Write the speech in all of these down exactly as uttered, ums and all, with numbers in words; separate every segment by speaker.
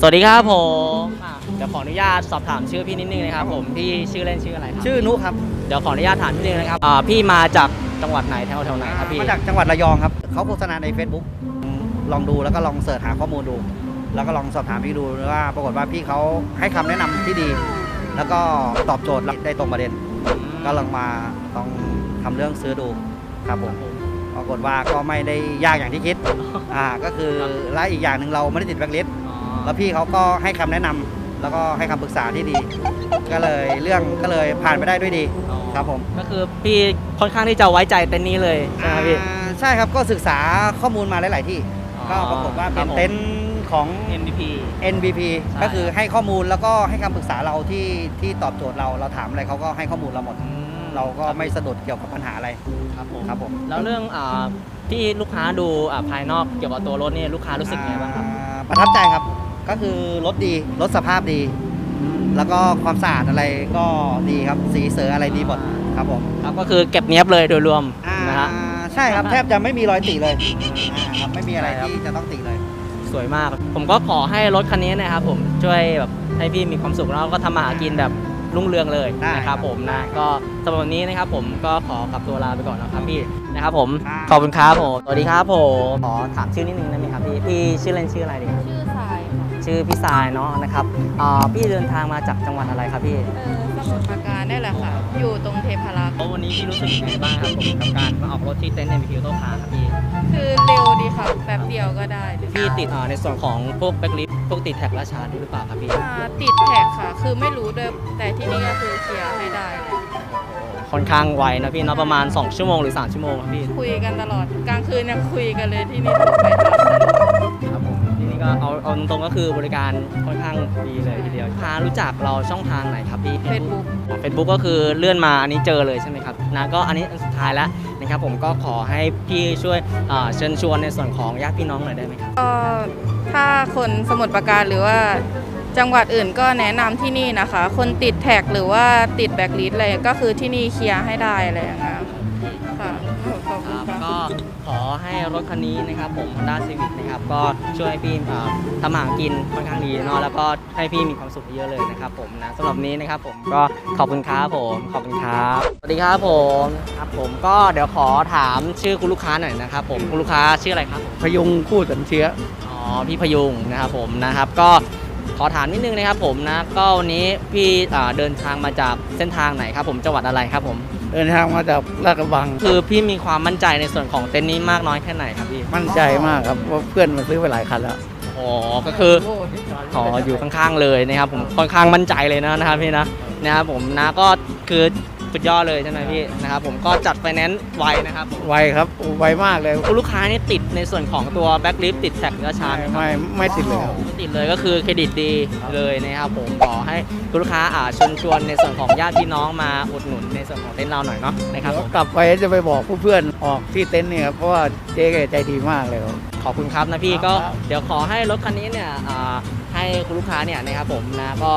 Speaker 1: วัสดีครับผมอ่ะเดี๋ยวขออนุญาตสอบถามชื่อพี่นิดนึงนะครับผมพี่ชื่อเล่นชื่ออะไรครับ
Speaker 2: ชื่อนุครับ
Speaker 1: เดี๋ยวขออนุญาตถามนิดนึงนะครับอ่าพี่มาจากจังหวัดไหนแถวแถวไหนครับพี่
Speaker 2: มาจากจังหวัดระยองครับเขาโฆษณาใน Facebook ลองดูแล้วก็ลองเสิร์ชหาข้อมูลดู แล้วก็ลองสอบถามพี่ดูว่าปรากฏว่าพี่เขาให้คำแนะนำที่ดี แล้วก็ตอบโจทย์ได้ตรงประเด็น ก็ลองมาลองทำเรื่องซื้อดูครับผมปรากฏว่าก็ไม่ได้ยากอย่างที่คิดอ่าก็คือและอีกอย่างหนึ่งเราไม่ได้ติดแบล็คลิสต์แล้วพี่เขาก็ให้คำแนะนำแล้วก็ให้คำปรึกษาที่ดี ก็เลยเรื่องก็เลยผ่านไปได้ด้วยดีครับผม
Speaker 1: ก็คือพี่ค่อนข้างที่จะไว้ใจเต็นท์นี้เลยใช่ไหมพี่
Speaker 2: ใช่ครับก็ศึกษาข้อมูลมาหลาย ๆ ที่ก็ปรากฏว่าเป็นเต็นท์ของ
Speaker 1: เอ็น บี พี
Speaker 2: เอ็น บี พี ก็คือให้ข้อมูลแล้วก็ให้คำปรึกษาเราที่ที่ตอบโจทย์เราเราถามอะไรเขาก็ให้ข้อมูลเราหมดเราก็ไม่สะดุดเกี่ยวกับปัญหาอะไร
Speaker 1: ครับผม
Speaker 2: ครับผม
Speaker 1: แล้วเรื่องอ่าที่ลูกค้าดูอ่าภายนอกเกี่ยวกับตัวรถนี่ลูกค้ารู้สึกไงบ้างครับ
Speaker 2: ประทับใจครับก็คือรถดีรถสภาพดี แล้วก็ความสะอาดอะไรก็ดีครับสีเสืออะไรดีหมดครับผม
Speaker 1: ครับก็คือเก็บเนี้ยบเลยโดยรวมนะฮะ
Speaker 2: ใช่ครับแทบจะไม่มีรอยติเลยครับไม่มีอะไรที่จะต้องติเลย
Speaker 1: สวยมากผมก็ขอให้รถคันนี้นะครับผมช่วยแบบให้พี่มีความสุขแล้วก็ทำมาหากินแบบรุ่งเรืองเลยนะครับผมนะก็สำหรับวันนี้นะครับผมก็ขอกลับตัวลาไปก่อนนะครับพี่นะครับผมขอบคุณครับผมสวัสดีครับผมขอถามชื่อนิดนึงได้ไหมครับพี่พี่ชื่อเล่นชื่ออะไรดี
Speaker 3: ชื่อทรายค่ะ
Speaker 1: ชื่อพี่ทรายเนาะนะครับอ่าพี่เดินทางมาจากจังหวัดอะไรครับพี่
Speaker 3: เออสมุทรปราการได้แหละค่ะอยู่ตรงเทพารักษ์
Speaker 1: วันนี้พี่รู้สึกยังไงบ้างครับผมกับการมาออกรถที่เต็นท์ เอ็น บี พี โต้คาร์ครับพี่
Speaker 3: คือเร็วดีค่ะแป๊บเดียวก็ได้
Speaker 1: พี่ติดอ่าในส่วนของพวกแบ็คลิฟต์พวกติดแท็กราชาด้วยหรือเปล่าครับพี่
Speaker 3: ติดแท็กค่ะคือไม่รู้ด้วยแต่ที่นี่ก็คือเคลียร์ให้ได้เลย
Speaker 1: ค่อนข้างไวนะพี่เนาะประมาณสองชั่วโมงหรือสามชั่วโมงครับพี่
Speaker 3: คุยกันตลอดกลางคืนยังคุยกันเลยที่นี่ถูกไปทำ
Speaker 1: ครับผมที่นี่ก็เอาเอาตรงๆก็คือบริการค่อนข้างดีเลยทีเดียวพารู้จักเราช่องทางไหนครับพี่
Speaker 3: Facebook
Speaker 1: Facebook ก็คือเลื่อนมาอันนี้เจอเลยใช่ไหมครับนะก็อันนี้อันสุดท้ายแล้วนะครับผมก็ขอให้พี่ช่วยเชิญชวนในส่วนของญาติพี่น้องหน่อยได้ไหมครับ
Speaker 3: ก็ถ้าคนสมุทรปราการหรือว่าจังหวัดอื่นก็แนะนำที่นี่นะคะคนติดแท็กหรือว่าติดแบ็คลิสต์อะไรก็คือที่นี่เคลียร์ให้ได้อะไรอย่างเงี้ยค่ะ
Speaker 1: ก็ขอให้รถคันนี้นะครับผม Honda Civic นะครับก็ช่วยให้พี่ทำหากินค่อนข้างดีเนาะแล้วก็ให้พี่มีความสุขเยอะเลยนะครับผมนะสำหรับนี้นะครับผมก็ขอบคุณครับผมขอบคุณครับสวัสดีครับผมครับผมก็เดี๋ยวขอถามชื่อคุณลูกค้าหน่อยนะครับผมคุณลูกค้าชื่ออะไรครับ
Speaker 2: พยุงคู่สันเชื้อ
Speaker 1: อ๋อพี่พยุงนะครับผมนะครับก็ขอถามนิดนึงนะครับผมนะก็วันนี้พี่เดินทางมาจากเส้นทางไหนครับผมจังหวัดอะไรครับผม
Speaker 2: เดินทางมาจากลาดกระบัง
Speaker 1: คือพี่มีความมั่นใจในส่วนของเต็นท์นี้มากน้อยแค่ไหนครับพี่
Speaker 2: มั่นใจมากครับว่าเพื่อนมาซื้อไปหลายคันแล้ว
Speaker 1: อ๋อก็คือขออยู่ข้างๆเลยนะครับผมค่อนข้างมั่นใจเลยนะนะครับพี่นะนะครับผมนะก็คือสุดยอดเลยใช่ไหมพี่นะครับผมก็จัดไฟแนนซ์ไวนะครับ
Speaker 2: ไวครับไวมากเลย
Speaker 1: คุณลูกค้านี่ติดในส่วนของตัวแบ็คลิฟต์ติดแท็กราชา
Speaker 2: ไม่ไม่ติดเลย
Speaker 1: ไม่ติดเลยก็คือเครดิตดีเลยนะครับผมขอให้คุณลูกค้าอ่าชวนชวนในส่วนของญาติพี่น้องมาอุดหนุนในส่วนของเต็นท์เราหน่อยเนาะนะครับ
Speaker 2: กลับไปจะไปบอกเพื่อนออกที่เต็นท์เนี่ยเพราะว่าเจ๊ใจดีมากเลย
Speaker 1: ขอบคุณครับนะพี่ก็เดี๋ยวขอให้รถคันนี้เนี่ยให้คุณลูกค้าเนี่ยนะครับผมนะก็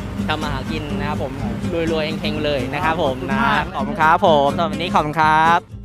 Speaker 1: ทำมาหากินนะครับผมรวยๆเฮงๆเลยนะครับผมนะขอบคุณครับผมสำหรับวันนี้ขอบคุณครับ